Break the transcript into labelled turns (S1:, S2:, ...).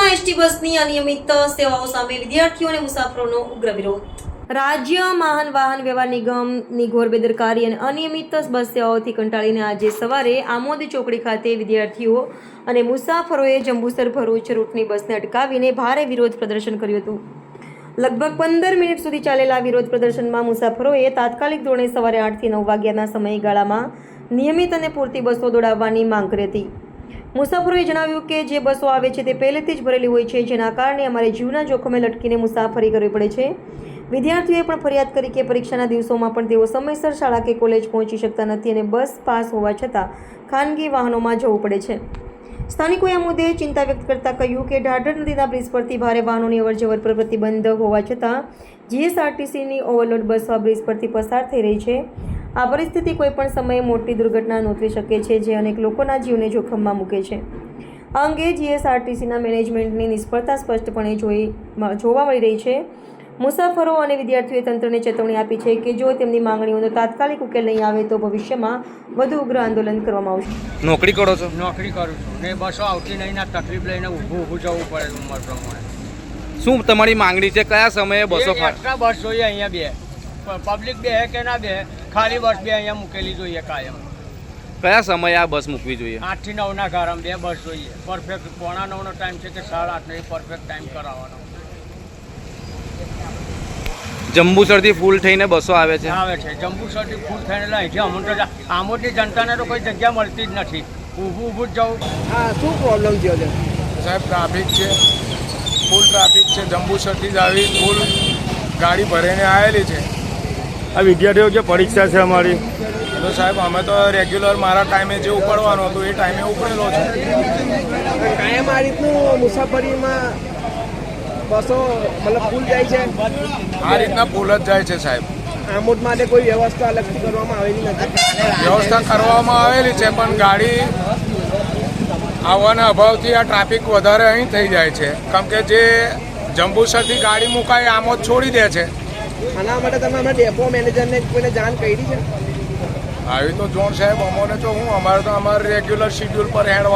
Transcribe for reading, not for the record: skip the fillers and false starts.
S1: ST બસની અનિયમિત સેવાઓ સામે વિદ્યાર્થીઓ અને મુસાફરોનો ઉગ્ર વિરોધ. રાજ્ય વાહન વ્યવહાર નિગમની ઘોર બેદરકારી અને અનિયમિત બસ સેવાઓથી કંટાળીને આજે સવારે આમોદ ચોકડી ખાતે વિદ્યાર્થીઓ અને મુસાફરોએ જંબુસર ભરૂચ રૂટની બસને અટકાવીને ભારે વિરોધ પ્રદર્શન કર્યું હતું. લગભગ 15 મિનિટ સુધી ચાલેલા વિરોધ પ્રદર્શનમાં મુસાફરોએ તાત્કાલિક ધોરણે સવારે 8 થી 9 વાગ્યાના સમયગાળામાં નિયમિત અને પૂરતી બસો દોડાવવાની માંગ કરી હતી. મુસાફરોએ જણાવ્યું કે જે બસો આવે છે તે પહેલેથી જ ભરેલી હોય છે, જેના કારણે અમારે જીવના જોખમે લટકીને મુસાફરી કરવી પડે છે. વિદ્યાર્થીઓએ પણ ફરિયાદ કરી કે પરીક્ષાના દિવસોમાં પણ તેઓ સમયસર શાળા કે કોલેજ પહોંચી શકતા નથી અને બસ પાસ હોવા છતાં ખાનગી વાહનોમાં જવું પડે છે. સ્થાનિકોએ આ મુદ્દે ચિંતા વ્યક્ત કરતા કહ્યું કે ઢાઢર નદીના બ્રિજ પરથી ભારે વાહનોની અવરજવર પર પ્રતિબંધ હોવા છતાં જીએસઆરટીસીની ઓવરલોડ બસો આ બ્રિજ પરથી પસાર થઈ રહી છે. આ પરિસ્થિતિ કોઈપણ સમયે મોટી દુર્ઘટના નોંધી શકે છે, જે અનેક લોકોના જીવને જોખમમાં મૂકે છે. આ અંગે જીએસઆરટીસીના મેનેજમેન્ટની નિષ્ફળતા સ્પષ્ટપણે જોવા મળી રહી છે. મુસાફરો અને વિદ્યાર્થીઓએ તંત્રને ચેતવણી આપી છે કે જો તેમની માંગણીઓનો તાત્કાલિક ઉકેલ નહીં આવે તો ભવિષ્યમાં વધુ ઉગ્ર આંદોલન કરવામાં આવશે.
S2: નોકરી કરો છો?
S3: નોકરી કરું છું ને બસો આવતી નહીં ના તકલીફ લઈને ઊભું જવું પડે ઉંમર પ્રમાણે.
S2: શું તમારી માંગણી છે? કયા સમયે બસો
S3: એક્સ્ટ્રા બસ જોઈએ અહીંયા બે, પબ્લિક બે કે ના બે, ખાલી બસ બે અહીંયા મૂકેલી જોઈએ કાયમ.
S2: કયા સમયે આ બસ મૂકવી જોઈએ?
S3: 8 થી 9 ના ગાળામાં બે બસ જોઈએ. પરફેક્ટ 8:45 નો ટાઈમ છે કે 8:30 નો પરફેક્ટ ટાઈમ કરાવવાનો.
S2: જંબુસરથી ફૂલ થઈને બસો આવે છે?
S3: આવે છે જંબુસરથી ફૂલ થઈને અહીંથી આમોદની જનતાને તો કોઈ જગ્યા મળતી જ નથી, ઊભું જ જવું.
S4: હા, શું પ્રોબ્લેમ થયો છે
S5: સાહેબ? ટ્રાફિક છે, ફૂલ ટ્રાફિક છે. જંબુસરથી જ આવી ફૂલ ગાડી ભરીને આવેલી છે.
S4: આ વિદ્યાર્થીઓ જે પરીક્ષા છે અમારી,
S5: તો સાહેબ અમે તો રેગ્યુલર મારા ટાઈમે જે ઉપડવાનું હતું એ ટાઈમે ઉપડેલો છું.
S4: કાયમ આ રીતનું મુસાફરીમાં બસો મતલબ ફૂલ જાય છે?
S5: આ રીતના ફૂલ જ જાય છે સાહેબ.
S4: આમોદ માટે કોઈ વ્યવસ્થા અલગથી કરવામાં આવેલી નથી?
S5: વ્યવસ્થા કરવામાં આવેલી છે પણ ગાડી આવવાના અભાવથી આ ટ્રાફિક વધારે અહીં થઈ જાય છે. કેમ કે જે જંબુસરથી ગાડી મુકાય આમોદ છોડી દે છે.
S4: આના માટે તમે અમારા ડેપો મેનેજરને કોઈને જાણ કરી છે?
S5: આવી તો જોણ સાહેબ અમોને તો હું અમારે રેગ્યુલર શિડ્યુલ પર હેડવા